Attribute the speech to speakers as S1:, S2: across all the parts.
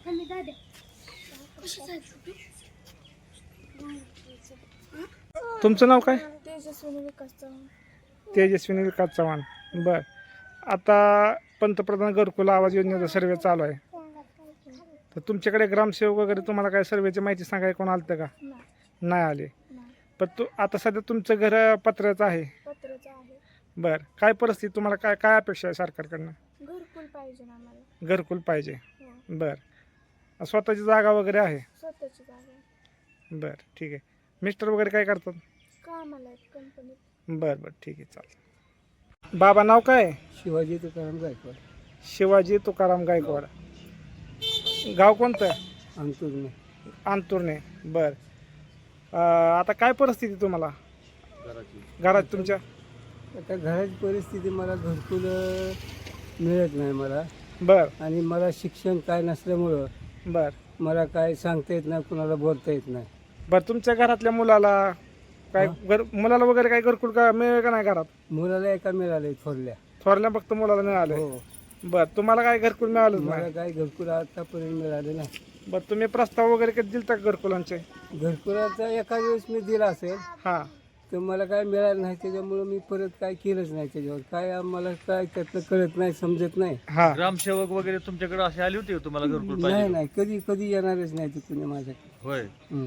S1: तुमचं नाव काय?
S2: तेजस्विनी विकास चव्हाण.
S1: तेजस्विनी विकास चव्हाण. बर, आता पंतप्रधान घरकुल आवाज योजनेचा सर्वे चालू आहे, तर तुमच्याकडे ग्रामसेवक वगैरे तुम्हाला काय सर्वेची माहिती सांगायला कोण आलं का? नाही आले. पण आता सध्या तुमचं घर पत्र्याचं आहे.
S2: पत्राचं आहे.
S1: बर, काय परिस्थिती तुम्हाला काय काय अपेक्षा आहे सरकारकडनं?
S2: घरकुल पाहिजे ना आम्हाला.
S1: घरकुल पाहिजे.
S2: हो.
S1: बर, स्वतःची जागा वगैरे आहे?
S2: स्वतःची जागा आहे.
S1: बर, ठीक आहे. मिस्टर वगैरे काय करतात?
S2: कामाला आहेत कंपनीत.
S1: बर बर, ठीक आहे, चालेल. बाबा नाव काय?
S3: शिवाजी तुकाराम गायकवाड.
S1: शिवाजी तुकाराम गायकवाड. गाव कोणतं?
S3: अंतुरने.
S1: अंतुरणे. बर, आता काय परिस्थिती तुम्हाला घरात तुमच्या?
S3: आता घराची परिस्थिती, मला घरकुल मिळत नाही मला.
S1: बर
S3: आणि मला शिक्षण काय नसल्यामुळं
S1: बर
S3: मला काय सांगता येत नाही, कुणाला बोलता येत नाही.
S1: बर, तुमच्या घरातल्या मुलाला काय मुलाला वगैरे काय घरकुल का मिळेल का नाही घरात?
S3: मुलाला एका मिळाले थोरल्या.
S1: थोरल्या फक्त मुलाला मिळाले.
S3: हो.
S1: बर, तुम्हाला काय घरकुल मिळालं
S3: मला
S1: नाही?
S3: काय घरकुल आतापर्यंत मिळाले नाही.
S1: बर, तुम्ही प्रस्ताव वगैरे कधी दिलता का घरकुलांचे?
S3: घरकुलाचा एका वेळेस मी दिला असेल,
S1: हा.
S3: तर मला काय मिळालं नाही. त्याच्यामुळं मी परत काय केलंच नाही त्याच्यावर. काय आम्हाला काय त्यातलं कळत नाही, समजत नाही.
S1: हा.
S4: ग्रामसेवक वगैरे तुमच्याकडे असे आले होते का तुम्हाला घरकुल
S3: नाही
S4: पाहिजे?
S3: नाही, कधी कधी येणारच नाही ते कुणी माझ्याकडे.
S4: होय.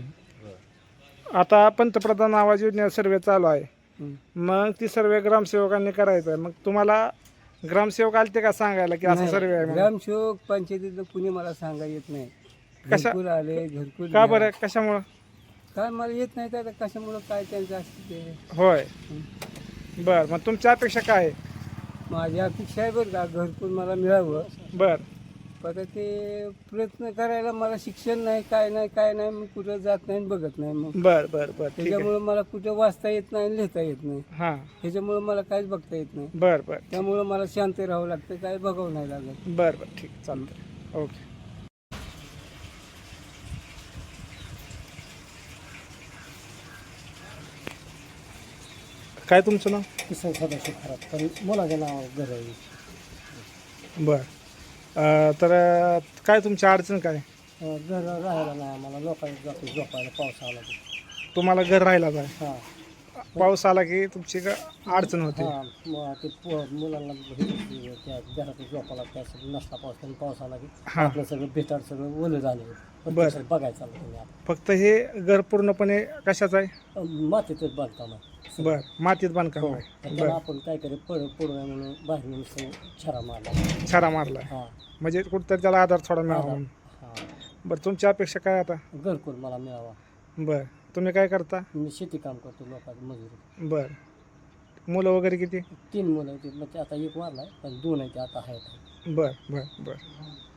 S1: आता पंतप्रधान आवाज योजना सर्वे चालू आहे,
S3: हं.
S1: मग ती सर्वे ग्रामसेवकांनी करायचं आहे. मग तुम्हाला ग्रामसेवक आलते का सांगायला की असा
S3: नाही,
S1: सर्वे आहे म्हणून?
S3: ग्रामसेवक पंचायतीतलं कुणी मला सांगा येत नाही.
S1: कशा-
S3: घरकुल आले, घरकुल
S1: का
S3: घ्या.
S1: बरं, कशामुळं?
S3: काय मला येत नाही, तर आता कशामुळं काय त्यांचं असतं ते.
S1: होय. बर, मग तुमच्या अपेक्षा काय आहे?
S3: माझी अपेक्षा आहे बरं का, घरकुल मला मिळावं.
S1: बर
S3: पण ते प्रयत्न करायला मला शिक्षण नाही, काय नाही, मी कुठं जात नाही, बघत नाही. मग
S1: बर बर बर, ठीक आहे.
S3: त्याच्यामुळं मला कुठं वाचता येत नाही, लिहिता येत नाही.
S1: हां.
S3: त्याच्यामुळं मला काहीच बघता येत नाही.
S1: बर बर
S3: त्यामुळं मला शांत राहावं लागतं, काय बघावं नाही लागत.
S1: बर बर, ठीक, चालतं. ओके. काय तुमचं नाव?
S3: किसन सदाशिव खराब, पण मुलाच्या नावावर घर आहे.
S1: बर, तर काय तुमची अडचण काय?
S3: घर राहायला नाही आम्हाला, लोकांनी जातो झोपायला पाऊस आला की.
S1: तुम्हाला घर राहिला काय?
S3: हां
S1: पाऊस आला की तुमची अडचण होते?
S3: हां, मग ते मुलांना त्या घरात झोपायला त्या नसला पाऊस आला की
S1: हां.
S3: आपलं सगळं भेटाड सगळं ओलं झालं.
S1: बरं.
S3: बघायचं चाललं तुम्ही आता.
S1: फक्त हे घर पूर्णपणे कशाचं आहे?
S3: मातीतच बांधकाम आहे.
S1: बर, मातीत बांधकाम
S3: हो.
S1: आहे.
S3: तर
S1: बर,
S3: त्याला आपण काय करे पडू नये म्हणून बाहेर नुसतं छरा मारला.
S1: छारा मारलाय,
S3: हां
S1: म्हणजे कुठतरी त्याला आधार थोडा मिळावा म्हणून.
S3: हां,
S1: बरं, तुमची अपेक्षा काय आता?
S3: घरकुल मला मिळावा.
S1: बर, तुम्ही काय करता?
S3: मी शेती काम करतो, लोकांची मजुरी.
S1: बर, मुलं वगैरे किती?
S3: 3 मुलं आहेत, मग ते आता एक वारलाय, पण 2 आहेत ते आता आहेत.
S1: बर बर बर.